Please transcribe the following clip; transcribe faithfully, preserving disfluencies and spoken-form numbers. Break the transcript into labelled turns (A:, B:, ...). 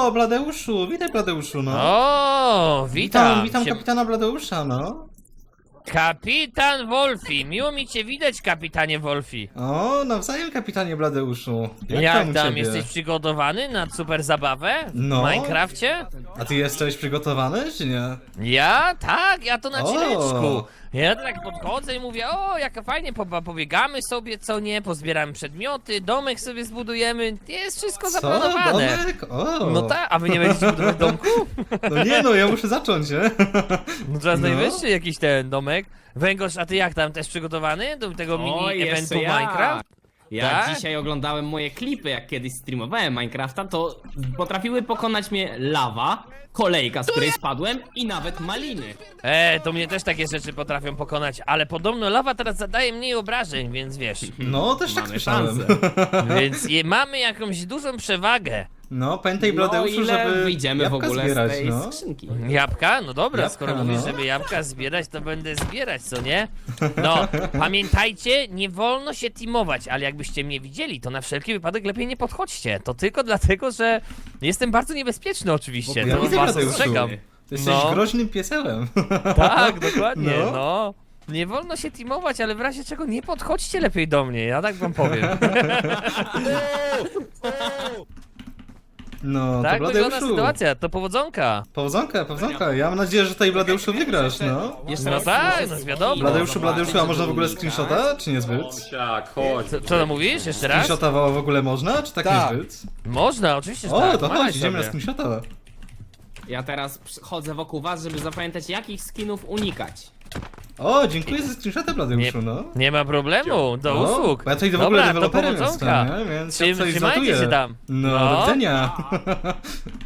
A: O, Bladeuszu, witaj Bladeuszu, no.
B: O, witam.
A: Witam, witam
B: się...
A: kapitana Bladeusza, no.
B: Kapitan Wolfi, miło mi cię widać, kapitanie Wolfi.
A: O, nawzajem kapitanie Bladeuszu. Jak,
B: Jak
A: tam, u
B: tam,
A: ciebie?
B: jesteś przygotowany na super zabawę w
A: No.
B: Minecrafcie?
A: A ty jesteś przygotowany, czy nie?
B: Ja? Tak, ja to na
A: O.
B: chwileczku. Ja tak podchodzę i mówię, o, jak fajnie, po, pobiegamy sobie, co nie, pozbieramy przedmioty, domek sobie zbudujemy, jest wszystko
A: Co?
B: zaplanowane.
A: Domek? O.
B: No tak, a wy nie będziecie budować domku?
A: No nie, no ja muszę zacząć, nie?
B: No teraz
A: No.
B: najwyższy jakiś ten domek. Węgorz, a ty jak tam, też przygotowany do tego
C: O,
B: mini
C: jeszcze
B: eventu
C: ja.
B: Minecraft?
C: Ja
B: Tak?
C: dzisiaj oglądałem moje klipy, jak kiedyś streamowałem Minecrafta, to potrafiły pokonać mnie lawa, kolejka, z której spadłem i nawet maliny.
B: E, to mnie też takie rzeczy potrafią pokonać, ale podobno lawa teraz zadaje mniej obrażeń, więc wiesz,
A: No, też tak
C: Mamy
A: słyszałem.
C: szansę.
B: więc je, mamy jakąś dużą przewagę.
A: No, pamiętaj
C: No
A: Bladeuszu,
C: ile
A: żeby
C: wyjdziemy w
A: jabłka
C: ogóle
A: zbierać,
C: z tej
A: no.
C: skrzynki?
B: Jabłka? No dobra,
A: Jabłka,
B: skoro mówisz,
A: no.
B: żeby jabłka zbierać, to będę zbierać, co nie? No, pamiętajcie, nie wolno się teamować, ale jakbyście mnie widzieli, to na wszelki wypadek lepiej nie podchodźcie. To tylko dlatego, że jestem bardzo niebezpieczny oczywiście,
A: Ja
B: to
A: widzę,
B: was
A: Bladeuszu.
B: ostrzegam.
A: Ty jesteś
B: No.
A: groźnym piesełem.
B: Tak, dokładnie,
A: No.
B: no. Nie wolno się teamować, ale w razie czego nie podchodźcie lepiej do mnie, ja tak wam powiem.
A: No,
B: Tak
A: to
B: wygląda
A: Bladeuszu.
B: sytuacja, to powodzonka.
A: Powodzonka, powodzonka. Ja mam nadzieję, że tutaj Bladeuszu wygrasz, no.
C: Jeszcze
B: No
C: raz
B: tak,
C: muszę
B: no wiadomo.
A: Bladeuszu, Bladeuszu, a można w ogóle
C: zobaczyć,
A: screenshota, czy niezbyt?
D: Tak, chodź.
B: Co, co to mówisz? Jeszcze raz?
A: Screenshota w ogóle można, czy tak,
D: Tak.
A: niezbyt?
B: Można, oczywiście, że
A: O,
B: tak.
A: to
B: Malaj
A: chodź, idziemy na
B: sobie.
A: screenshota.
C: Ja teraz chodzę wokół was, żeby zapamiętać, jakich skinów unikać.
A: O, dziękuję za screenshota, Bladeuszu,
B: Nie-
A: no.
B: Nie ma problemu, do
A: O,
B: usług.
A: bo ja tutaj w ogóle
B: Dobra, to
A: deweloperem
B: powodzonka.
A: jestem, nie? Więc
B: Trzym-
A: ja coś
B: trzymajcie
A: zlatuję.
B: się tam.
A: No,
B: No.
A: do widzenia.